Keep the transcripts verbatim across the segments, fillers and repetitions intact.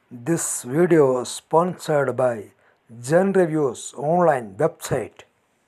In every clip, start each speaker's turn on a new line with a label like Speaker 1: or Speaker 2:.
Speaker 1: This video is sponsored by Gen Reviews online website.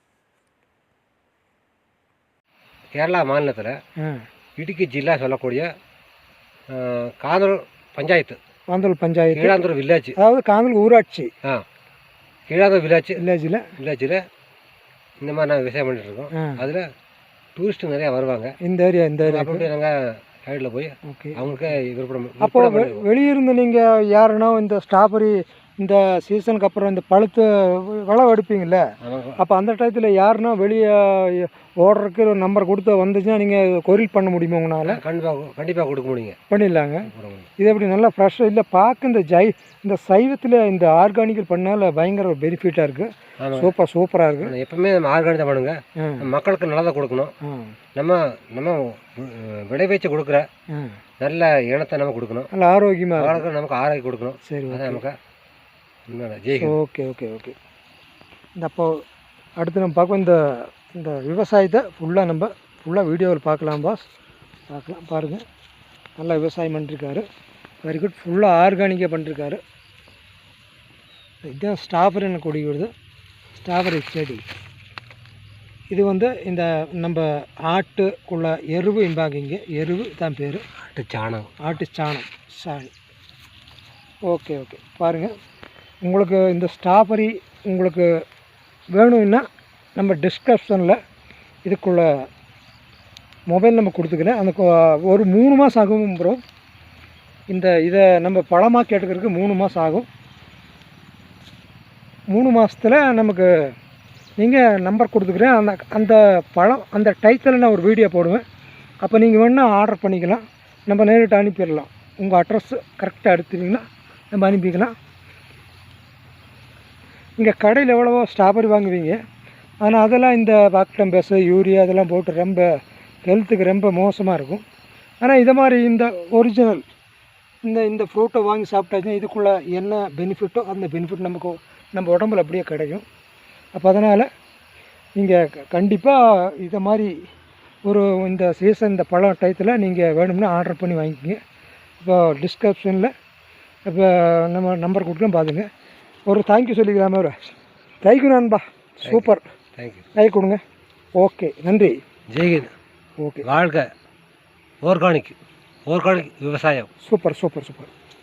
Speaker 2: Kerala மாநிலத்தில் இடுக்கி ஜில்லா சொல்லக்கூடிய காதல் பஞ்சாயத்து
Speaker 3: காந்தல் பஞ்சாயத்து
Speaker 2: கீழாந்தூர் வில்லேஜ்,
Speaker 3: அதாவது காந்தல் ஊராட்சி.
Speaker 2: ஆ கீழாந்தூர் வில்லேஜ்
Speaker 3: வில்லேஜில்
Speaker 2: வில்லேஜில் இந்த மாதிரி நாங்கள் விவசாயம் பண்ணிட்டு இருக்கோம். அதில் டூரிஸ்ட்டு நிறையா வருவாங்க.
Speaker 3: இந்த ஏரியா இந்த ஏரியா
Speaker 2: அப்படியே நாங்கள் சைடில் போய்
Speaker 3: ஓகே
Speaker 2: அவங்களுக்கு விருப்பம்.
Speaker 3: அப்போ வெளியிருந்து நீங்கள் யாருன்னா இந்த ஸ்ட்ராபெரி இந்த சீசனுக்கு அப்புறம் இந்த பழுத்து விளவு எடுப்பீங்கள்ல, அப்போ அந்த டயத்தில் யாருன்னா வெளியே ஓடுறதுக்கு ஒரு நம்பர் கொடுத்து வந்துச்சுன்னா நீங்கள் கொரியல் பண்ண முடியுமா உங்களால்?
Speaker 2: கண்டிப்பாக கண்டிப்பாக கொடுக்க முடியுங்க.
Speaker 3: பண்ணிடலாங்க. இது எப்படி நல்லா ஃப்ரெஷ்ஷாக இல்லை பார்க்க இந்த ஜை இந்த சைவத்தில் இந்த ஆர்கானிக்கல் பண்ணால் பயங்கர ஒரு பெனிஃபிட்டாக இருக்குது. சூப்பர் சூப்பராக இருக்குது.
Speaker 2: எப்பவுமே நம்ம ஆர்கானிக் தான் பண்ணுங்க. மக்களுக்கு நல்லதாக கொடுக்கணும். நம்ம நம்ம விளைவிச்சு கொடுக்குற நல்ல இனத்தை நம்ம கொடுக்கணும். நல்ல ஆரோக்கியமாக நமக்கு ஆரோக்கியம் கொடுக்கணும். சரி, அதான் நமக்கு
Speaker 3: ஓகே ஓகே ஓகே. இந்த அப்போ அடுத்து நம்ம பார்ப்போம். இந்த இந்த விவசாயத்தை ஃபுல்லாக நம்ம ஃபுல்லாக வீடியோவில் பார்க்கலாம் பாஸ். பார்க்கலாம் பாருங்கள். நல்லா விவசாயம் பண்ணிருக்காரு. Very good. ஃபுல்லாக ஆர்கானிக்காக பண்ணிருக்காரு. இதுதான் ஸ்ட்ராபெரி கொடி வருது. ஸ்ட்ராபெரி செடி இது வந்து இந்த நம்ம ஆட்டுக்குள்ள எருவு இம்பாங்கிங்க. எருவு தான் பேர்.
Speaker 2: ஆட்டு சாணம்.
Speaker 3: ஆட்டு சாணம் சாணி. Okay okay. பாருங்கள், உங்களுக்கு இந்த ஸ்ட்ராபெரி உங்களுக்கு வேணும்னா நம்ம டிஸ்கிரிப்ஷனில் இதுக்குள்ள மொபைல் நம்பர் கொடுத்துக்கிறேன். அந்த ஒரு மூணு மாதம் ஆகும் ப்ரோ. இந்த இதை நம்ம பழமாக கேட்டுக்கிறதுக்கு மூணு மாதம் ஆகும். மூணு மாதத்தில் நமக்கு நீங்கள் நம்பர் கொடுத்துக்கிறேன். அந்த அந்த பழம் அந்த டைத்தில் நான் ஒரு வீடியோ போடுவேன். அப்போ நீங்கள் வேணால் ஆர்டர் பண்ணிக்கலாம். நம்ம நேரிட்டு அனுப்பிடலாம். உங்கள் அட்ரஸ் கரெக்டாக எடுத்துட்டிங்கன்னா நம்ம அனுப்பிக்கலாம். இங்கே கடையில் எவ்வளவோ ஸ்ட்ராபெரி வாங்குவீங்க, ஆனால் அதெல்லாம் இந்த பாக்டம்பஸ் யூரியா அதெல்லாம் போட்டு ரொம்ப ஹெல்த்துக்கு ரொம்ப மோசமாக இருக்கும். ஆனால் இதை மாதிரி இந்த ஒரிஜினல் இந்த இந்த ஃப்ரூட்டை வாங்கி சாப்பிட்டாச்சுன்னா இதுக்குள்ளே என்ன பெனிஃபிட்டோ அந்த பெனிஃபிட் நமக்கு நம்ம உடம்புல அப்படியே கிடைக்கும். அப்போ அதனால் நீங்கள் கண்டிப்பாக இதை மாதிரி ஒரு இந்த சீசன் இந்த பழம் டயத்தில் நீங்கள் வேணும்னா ஆர்டர் பண்ணி வாங்கிக்கிங்க. இப்போ டிஸ்கிரிப்ஷனில் இப்போ நம்ம நம்பர் கொடுக்கலாம் பார்த்துங்க. ஒரு தேங்க்யூ சொல்லிக்கலாமே. ஒரு தேங்க்யூ நண்பா. சூப்பர்.
Speaker 2: தேங்க்யூ.
Speaker 3: கை கொடுங்க. ஓகே, நன்றி.
Speaker 2: ஜெய்ஹிந்த்.
Speaker 3: ஓகே.
Speaker 2: வாழ்க ஆர்கானிக் ஆர்கானிக் விவசாயம்.
Speaker 3: Super super super.